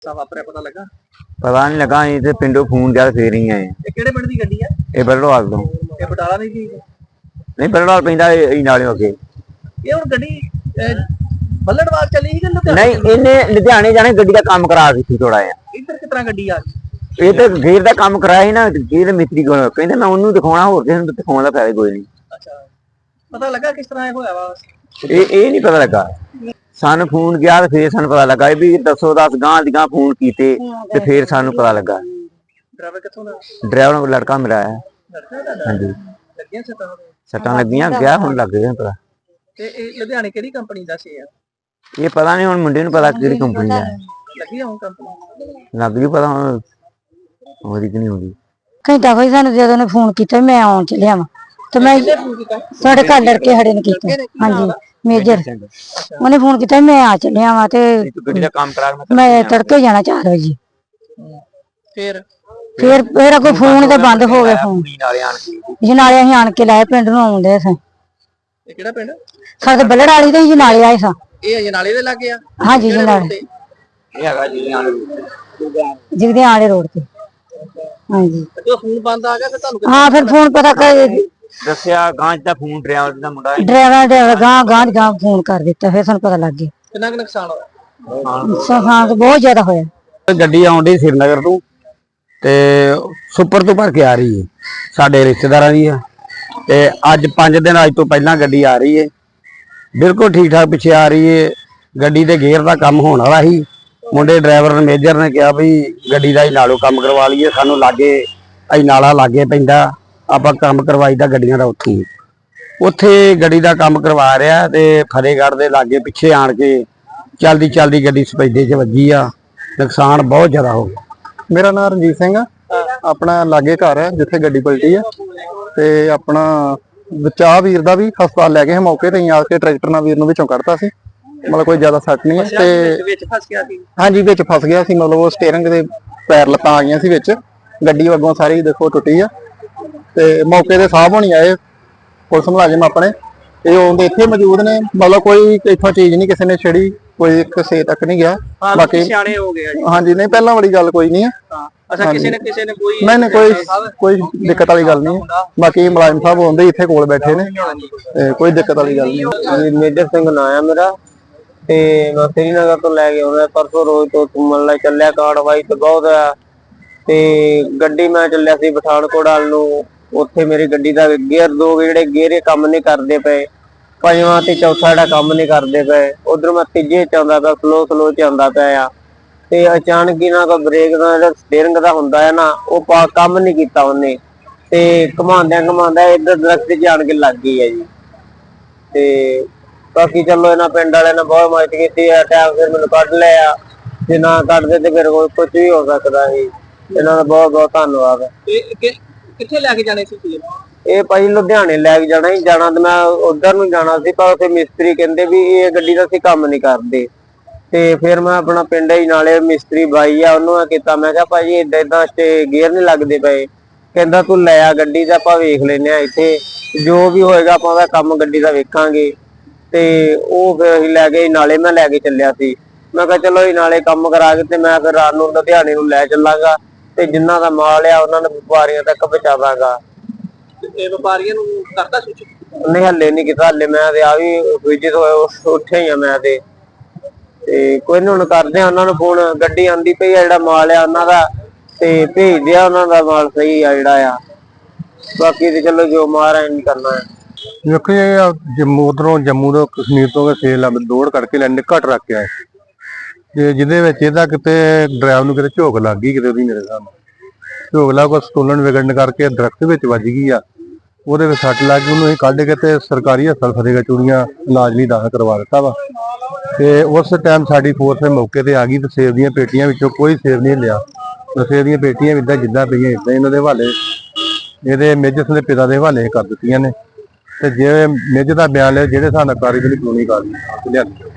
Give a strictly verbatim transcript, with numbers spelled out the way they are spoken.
ਵਾਪਰਿਆ ਪਤਾ ਲੱਗਾ? ਪਤਾ ਨਹੀਂ ਲੱਗਾ, ਅਸੀਂ ਤੇ ਪਿੰਡੋਂ ਫੋਨ ਗਿਆ ਫੇਰ ਹੀ ਆਏ। ਇਹ ਕਿਹੜੇ ਪਿੰਡ ਦੀ ਗੱਡੀ ਆ? ਇਹ ਬਰੜਵਾਲ ਤੋਂ। ਇਹ ਬਟਾਲਾ ਨਹੀਂ ਸੀ? ਨਹੀਂ, ਬਰੜਵਾਲ ਪੈਂਦਾ ਇਹ ਨਾਲੇ ਅੱਗੇ। ਇਹ ਹੁਣ ਗੱਡੀ ਬੱਲੜਵਾਲ ਚੱਲੀ ਸੀ ਕਿ ਲੁਧਿਆਣੇ? ਨਹੀਂ, ਇਹਨੇ ਲੁਧਿਆਣੇ ਜਾਣੇ ਗੱਡੀ ਦਾ ਕੰਮ ਕਰਾ ਦਿੱਤੀ ਥੋੜਾ ਜਿਹਾ। ਇੱਧਰ ਕਿਸ ਤਰ੍ਹਾਂ ਗੱਡੀ ਆ ਗਈ? ਇਹ ਤੇ ਗੇਰ ਦਾ ਕੰਮ ਕਰਾਇਆ ਸੀ ਨਾ, ਗੇਰ ਮਿਸਤਰੀ ਕੋਲ ਕਹਿੰਦੇ ਮੈਂ ਉਹਨੂੰ ਦਿਖਾਉਣਾ, ਹੋਰ ਕਿਸੇ ਨੂੰ ਦਿਖਾਉਣ ਦਾ ਫਾਇਦਾ ਕੋਈ ਨਹੀਂ। ਅੱਛਾ, ਪਤਾ ਲੱਗਾ ਕਿਸ ਤਰ੍ਹਾਂ ਇਹ ਹੋਇਆ ਵਾ? ਇਹ ਇਹ ਨਹੀਂ ਪਤਾ ਲੱਗਾ, ਸਾਨੂੰ ਫੋਨ ਗਿਆ ਤੇ ਫੇਰ ਸਾਨੂੰ ਪਤਾ ਲੱਗਾ ਵੀ ਦੱਸੋ ਦਸ ਗਾਂ ਦੀ ਗਾਂ ਫੋਨ ਕੀਤੇ ਤੇ ਫੇਰ ਸਾਨੂੰ ਪਤਾ ਲੱਗਾ। ਡਰਾਈਵਰ ਕਿੱਥੋਂ ਦਾ? ਡਰਾਈਵਰ ਨੂੰ ਲੜਕਾ ਮੇਰਾ ਆਇਆ। ਹਾਂਜੀ, ਲੱਗੀਆਂ ਸੱਟਾਂ? ਸੱਟਾਂ ਲੱਗੀਆਂ, ਗਿਆ ਹੁਣ ਲੱਗ ਗਿਆ ਪਤਾ। ਤੇ ਇਹ ਲੁਧਿਆਣੇ ਕਿਹੜੀ ਕੰਪਨੀ ਦਾ ਸੀ? ਇਹ ਪਤਾ ਨਹੀਂ, ਹੁਣ ਮੁੰਡੇ ਨੂੰ ਪਤਾ ਕਿਹੜੀ ਕੰਪਨੀ ਦਾ। ਲੱਗੀ ਹੁਣ ਕੰਪਨੀ? ਲੱਗ ਗਈ ਪਤਾ, ਹੁਣ ਹੋਰੀ ਕਿ ਨਹੀਂ ਹੋਰੀ। ਘੰਟਾ ਕੋਈ ਸਾਨੂੰ ਜਦੋਂ ਨੇ ਫੋਨ ਕੀਤਾ ਮੈਂ ਆਉਣ ਚੱਲਿਆ ਵਾਂ ਤੇ ਮੈਂ ਸਾਡੇ ਘਰ ਲੜਕੇ ਖੜੇ ਨੇ ਕੀਤਾ। ਹਾਂਜੀ, ਮੇਜਰ ਉਹਨੇ ਫੋਨ ਕੀਤਾ ਮੈਂ ਆ ਚੱਲਿਆ ਵਾਂ ਤੇ ਗੱਡੀ ਦਾ ਕੰਮ ਕਰਾ ਕੇ ਮੈਂ ਤੜਕੇ ਜਾਣਾ ਚਾਰ ਵਜੇ। ਫਿਰ ਫਿਰ ਫਿਰ ਕੋਈ ਫੋਨ ਤੇ ਬੰਦ ਹੋ ਗਿਆ ਫੋਨ। ਨਾਲੇ ਆਣ ਕੇ ਜਨਾਲੇ ਅਸੀਂ ਆਣ ਕੇ ਲਾਏ ਪਿੰਡ ਨੂੰ ਆਉਂਦੇ ਸਾਂ। ਇਹ ਕਿਹੜਾ ਪਿੰਡ? ਸਾਡੇ ਬੱਲੜ ਵਾਲੀ ਤੇ ਜਨਾਲੇ ਆਏ ਸਾਂ। ਇਹ ਅਜਨਾਲੇ ਦੇ ਲੱਗੇ ਆ? ਹਾਂਜੀ, ਜਨਾਲੇ ਇਹ ਹੈਗਾ ਜੀ ਨਾਲ ਜਿਗਦੇ ਆਲੇ ਰੋਡ ਤੇ। ਹਾਂਜੀ, ਜਦੋਂ ਫੋਨ ਬੰਦ ਆ ਗਿਆ ਫਿਰ ਤੁਹਾਨੂੰ? ਹਾਂ, ਫਿਰ ਫੋਨ ਪਤਾ ਕਰ ਦੱਸਿਆ ਗਾਂ ਦਾ ਫੋਨ ਡਰਾਈਵਰ ਦਾ ਮੁੰਡਾ ਡਰਾਈਵਰ ਡਰਾਈਵਰ ਗਾਂ ਗਾਂ ਗਾਂ ਫੋਨ ਕਰ ਦਿੱਤਾ, ਫਿਰ ਸਾਨੂੰ ਪਤਾ ਲੱਗ ਗਿਆ। ਕਿੰਨਾ ਕੁ ਨੁਕਸਾਨ ਹੋਇਆ? ਨੁਕਸਾਨ ਬਹੁਤ ਜ਼ਿਆਦਾ ਹੋਇਆ। ਗੱਡੀ ਆਉਂਦੀ ਸ਼੍ਰੀਨਗਰ ਤੋਂ ਤੇ ਸੁਪਰ ਤੋਂ ਭਰ ਕੇ ਆ ਰਹੀ ਹੈ, ਸਾਡੇ ਰਿਸ਼ਤੇਦਾਰਾਂ ਦੀ ਆ। ਤੇ ਅੱਜ ਪੰਜ ਦਿਨ ਅੱਜ ਤੋਂ ਪਹਿਲਾਂ ਗੱਡੀ ਆ ਰਹੀ ਹੈ, ਬਿਲਕੁਲ ਠੀਕ ਠਾਕ ਪਿੱਛੇ ਆ ਰਹੀ ਹੈ। ਗੱਡੀ ਦੇ ਗੇਅਰ ਦਾ ਕੰਮ ਹੋਣ ਵਾਲਾ ਸੀ, ਮੁੰਡੇ ਡਰਾਈਵਰ ਮੇਜਰ ਨੇ ਕਿਹਾ ਵੀ ਗੱਡੀ ਦਾ ਹੀ ਨਾਲੋਂ ਕੰਮ ਕਰਵਾ ਲਈਏ, ਸਾਨੂੰ ਲਾਗੇ ਅਸੀਂ ਨਾਲਾ ਲਾਗੇ ਪੈਂਦਾ, ਆਪਾਂ ਕੰਮ ਕਰਵਾਈਦਾ ਗੱਡੀਆਂ ਦਾ ਉੱਥੇ ਉੱਥੇ ਗੱਡੀ ਦਾ ਕੰਮ ਕਰਵਾ ਰਿਹਾ। ਤੇ ਫਤਿਹਗੜ੍ਹ ਦੇ ਲਾਗੇ ਪਿੱਛੇ ਆਣ ਕੇ ਚਲਦੀ ਚਲਦੀ ਗੱਡੀ ਸਪੈਡੇ 'ਚ ਵੱਜੀ ਆ, ਨੁਕਸਾਨ ਬਹੁਤ ਜ਼ਿਆਦਾ ਹੋ ਗਿਆ। ਮੇਰਾ ਨਾਮ ਰਣਜੀਤ ਸਿੰਘ ਆ, ਆਪਣਾ ਲਾਗੇ ਘਰ ਹੈ ਜਿੱਥੇ ਗੱਡੀ ਪਲਟੀ ਆ। ਤੇ ਆਪਣਾ ਬਚਾ ਵੀਰ ਦਾ ਵੀ ਹਸਪਤਾਲ ਲੈ ਗਏ ਮੌਕੇ ਤੇ ਆ ਕੇ, ਟਰੈਕਟਰ ਨਾਲ ਵੀਰ ਨੂੰ ਵਿੱਚੋਂ ਕੱਢਤਾ ਸੀ, ਮਤਲਬ ਕੋਈ ਜ਼ਿਆਦਾ ਸੱਟ ਨਹੀਂ ਹੈ। ਤੇ ਵਿੱਚ ਫਸ ਗਿਆ ਸੀ? ਹਾਂਜੀ, ਵਿੱਚ ਫਸ ਗਿਆ ਸੀ, ਮਤਲਬ ਉਹ ਸਟੀਅਰਿੰਗ ਦੇ ਪੈਰ ਲੱਤਾਂ ਆ ਗਈਆਂ ਸੀ ਵਿੱਚ, ਗੱਡੀ ਅੱਗੋਂ ਸਾਰੀ ਦੇਖੋ ਟੁੱਟੀ ਆ। ਤੇ ਮੌਕੇ ਤੇ ਸਾਹਿਬ ਹੋਣੀ ਆਏ ਪੁਲਿਸ ਮੁਲਾਜ਼ਮ ਆਪਣੇ, ਇਹ ਉਹਦੇ ਇੱਥੇ ਮੌਜੂਦ ਨੇ, ਮਤਲਬ ਕੋਈ ਇੱਥੋਂ ਚੀਜ਼ ਨਹੀਂ ਕਿਸੇ ਨੇ ਛੇੜੀ, ਕੋਈ ਕਿਸੇ ਤੱਕ ਨਹੀਂ ਗਿਆ। ਬਾਕੀ ਸਿਆਣੇ ਹੋ ਗਏ ਜੀ? ਹਾਂਜੀ, ਨਹੀਂ ਪਹਿਲਾਂ ਵਾਲੀ ਗੱਲ ਕੋਈ ਨਹੀਂ ਹੈ। ਅੱਛਾ, ਕਿਸੇ ਨੇ ਕਿਸੇ ਨੇ ਕੋਈ ਨਹੀਂ ਨਹੀਂ ਕੋਈ ਕੋਈ ਦਿੱਕਤ ਵਾਲੀ ਗੱਲ ਨਹੀਂ ਹੈ। ਬਾਕੀ ਮੁਲਾਜ਼ਮ ਸਾਹਿਬ ਹੁੰਦੇ ਇੱਥੇ ਕੋਲ ਬੈਠੇ ਨੇ, ਤੇ ਕੋਈ ਦਿੱਕਤ ਵਾਲੀ ਗੱਲ ਨਹੀਂ। ਮੇਜਰ ਸਿੰਘ ਨਾਂ ਆ ਮੇਰਾ, ਤੇ ਮੈਂ ਸ਼੍ਰੀਨਗਰ ਤੋਂ ਲੈ ਕੇ ਆਉਂਦਾ ਪਰਸੋਂ ਰੋਜ਼ ਤੋਂ ਘੁੰਮਣ ਲਈ ਚੱਲਿਆ। ਕਾਰਵਾਈ ਤੇ ਬਹੁਤ ਆ, ਤੇ ਗੱਡੀ ਮੈਂ ਚੱਲਿਆ ਸੀ ਪਠਾਨਕੋਟ ਵੱਲ ਨੂੰ। ਉੱਥੇ ਮੇਰੀ ਗੱਡੀ ਦਾ ਗੇਅਰ ਦੋ ਜਿਹੜੇ ਗੇਅਰ ਕੰਮ ਨਹੀਂ ਕਰਦੇ ਪਏ, ਪੰਜਵਾਂ ਤੇ ਚੌਥਾ ਜਿਹੜਾ ਕੰਮ ਨਹੀਂ ਕਰਦੇ ਪਏ, ਉਧਰ ਮੈਂ ਤੀਜੇ ਚ ਆਉਂਦਾ ਪਿਆ, ਸਲੋ ਸਲੋ ਚ ਆਉਂਦਾ ਪਿਆ ਆ। ਤੇ ਅਚਾਨਕ ਹੀ ਨਾ ਕੋਈ ਬ੍ਰੇਕ ਦਾ ਜਿਹੜਾ ਸਟੀਅਰਿੰਗ ਦਾ ਹੁੰਦਾ ਹੈ ਨਾ, ਉਹ ਕੰਮ ਨਹੀਂ ਕੀਤਾ ਉਹਨੇ, ਤੇ ਘੁਮਾਉਂਦਿਆਂ ਘੁਮਾਉਂਦਾ ਇੱਧਰ ਦਰਖਤ 'ਚ ਆਣ ਕੇ ਲੱਗ ਗਈ ਹੈ ਜੀ। ਤੇ ਬਾਕੀ ਚਲੋ ਇਹਨਾਂ ਪਿੰਡ ਵਾਲਿਆਂ ਨੇ ਬਹੁਤ ਮਦਦ ਕੀਤੀ ਹੈ, ਟਾਈਮ ਫਿਰ ਮੈਨੂੰ ਕੱਢ ਲਿਆ। ਜੇ ਨਾ ਕੱਢਦੇ ਤੇ ਫਿਰ ਕੋਈ ਕੁਝ ਵੀ ਹੋ ਸਕਦਾ ਸੀ। ਇਹਨਾਂ ਦਾ ਬਹੁਤ ਬਹੁਤ ਧੰਨਵਾਦ। ਕਿੱਥੇ ਲੈ ਕੇ ਜਾਣੇ ਸੀ? ਇਹ ਭਾਈ ਲੁਧਿਆਣੇ ਲੈ ਕੇ ਜਾਣਾ ਹੀ ਜਾਣਾ, ਤੇ ਮੈਂ ਉਧਰ ਨੂੰ ਜਾਣਾ ਸੀ, ਪਰ ਉੱਥੇ ਮਿਸਤਰੀ ਕਹਿੰਦੇ ਵੀ ਇਹ ਗੱਡੀ ਦਾ ਅਸੀਂ ਕੰਮ ਨਹੀਂ ਕਰਦੇ। ਤੇ ਫਿਰ ਮੈਂ ਆਪਣਾ ਪਿੰਡ ਹੀ ਨਾਲੇ ਮਿਸਤਰੀ ਬਾਈ ਆ, ਉਹਨੂੰ ਕੀਤਾ, ਮੈਂ ਕਿਹਾ ਭਾਜੀ ਏਦਾਂ ਏਦਾਂ ਤੇ ਗੇਅਰ ਨਹੀਂ ਲੱਗਦੇ ਪਏ। ਕਹਿੰਦਾ ਤੂੰ ਲੈ ਆ ਗੱਡੀ ਦਾ, ਆਪਾਂ ਵੇਖ ਲੈਨੇ ਆ ਇੱਥੇ, ਜੋ ਵੀ ਹੋਏਗਾ ਆਪਾਂ ਉਹਦਾ ਕੰਮ ਗੱਡੀ ਦਾ ਵੇਖਾਂਗੇ। ਤੇ ਉਹ ਫਿਰ ਅਸੀਂ ਲੈ ਗਏ ਨਾਲੇ, ਮੈਂ ਲੈ ਕੇ ਚੱਲਿਆ ਸੀ। ਮੈਂ ਕਿਹਾ ਚਲੋ ਇਹ ਨਾਲੇ ਕੰਮ ਕਰਾ ਕੇ ਤੇ ਮੈਂ ਫਿਰ ਰਾਤ ਨੂੰ ਲੁਧਿਆਣੇ ਨੂੰ ਲੈ ਚੱਲਾਂਗਾ, ਤੇ ਜਿੰਨਾ ਦਾ ਮਾਲ ਆ ਉਹਨਾਂ ਨੂੰ ਵਪਾਰੀਆਂ ਤੱਕ ਪਹੁੰਚਾਵਾਂਗਾ। ਤੇ ਵਪਾਰੀਆਂ ਨੂੰ ਕਰਦਾ ਸੂਚਿਤ? ਨਹੀਂ, ਹੱਲੇ ਨਹੀਂ ਕੀਤਾ, ਹੱਲੇ ਮੈਂ ਤੇ ਆ ਵੀ ਵਿਜਿਟ ਹੋਇਆ ਉੱਠਿਆ ਹੀ ਆ ਮੈਂ ਤੇ। ਤੇ ਕੋਈ ਨੀ, ਹੁਣ ਕਰਦੇ ਆ ਉਹਨਾਂ ਨੂੰ ਫੋਨ, ਗੱਡੀ ਆਂਦੀ ਪਈ ਆ, ਜਿਹੜਾ ਮਾਲ ਆ ਉਹਨਾਂ ਦਾ, ਤੇ ਭੇਜਦੇ ਆ ਉਹਨਾਂ ਦਾ ਮਾਲ ਸਹੀ ਆ ਜਿਹੜਾ ਆ। ਬਾਕੀ ਤੇ ਚਲੋ ਜੋ ਮਾਰ ਨਹੀਂ ਕਰਨਾ ਹੈ। ਦੇਖੋ ਇਹ ਜੰਮੂ ਉਧਰੋਂ ਜੰਮੂ ਤੋਂ ਕਸ਼ਮੀਰ ਤੋਂ ਸੇਲ ਦੌੜ ਕਰਕੇ ਲੈਣੇ ਘੱਟ ਰੱਖ ਕੇ ਆਏ, ਤੇ ਜਿਹਦੇ ਵਿੱਚ ਇਹਦਾ ਕਿਤੇ ਡਰਾਈਵਰ ਨੂੰ ਕਿਤੇ ਝੋਕ ਲੱਗ ਗਈ, ਕਿਤੇ ਉਹਦੀ ਮੇਰੇ ਸਾਹਮਣੇ ਝੋਕ ਲੱਗ, ਸਟੋਲਨ ਵਿਗੜਨ ਕਰਕੇ ਦਰਖਤ ਵਿੱਚ ਵੱਜ ਗਈ ਆ, ਉਹਦੇ ਵਿੱਚ ਸੱਟ ਲੱਗ ਗਈ। ਉਹਨੂੰ ਅਸੀਂ ਕੱਢ ਕੇ ਤੇ ਸਰਕਾਰੀ ਹਸਪਤਾਲ ਫਤਿਹਗੜ੍ਹ ਚੂੜੀਆਂ ਇਲਾਜ ਲਈ ਦਾਖਲ ਕਰਵਾ ਦਿੱਤਾ ਵਾ। ਤੇ ਉਸ ਟਾਈਮ ਸਾਡੀ ਫੋਰਸ ਮੌਕੇ ਤੇ ਆ ਗਈ, ਤੇ ਸੇਬ ਦੀਆਂ ਪੇਟੀਆਂ ਵਿੱਚੋਂ ਕੋਈ ਸੇਬ ਨਹੀਂ ਲਿਆ। ਸੇਬ ਦੀਆਂ ਪੇਟੀਆਂ ਇਦਾਂ ਜਿੱਦਾਂ ਪਈਆਂ ਇਦਾਂ ਇਹਨਾਂ ਦੇ ਹਵਾਲੇ, ਇਹਦੇ ਮੇਜਰ ਦੇ ਪਿਤਾ ਦੇ ਹਵਾਲੇ ਕਰ ਦਿੱਤੀਆਂ ਨੇ। ਤੇ ਜੇ ਮੇਜਰ ਦਾ ਬਿਆਨ ਲਿਆ, ਜਿਹੜੇ ਹਿਸਾਬ ਨਾਲ ਕਾਰਵਾਈ ਕਾਨੂੰਨੀ ਕਾਰਵਾਈ ਲਿਆਂਦੀ।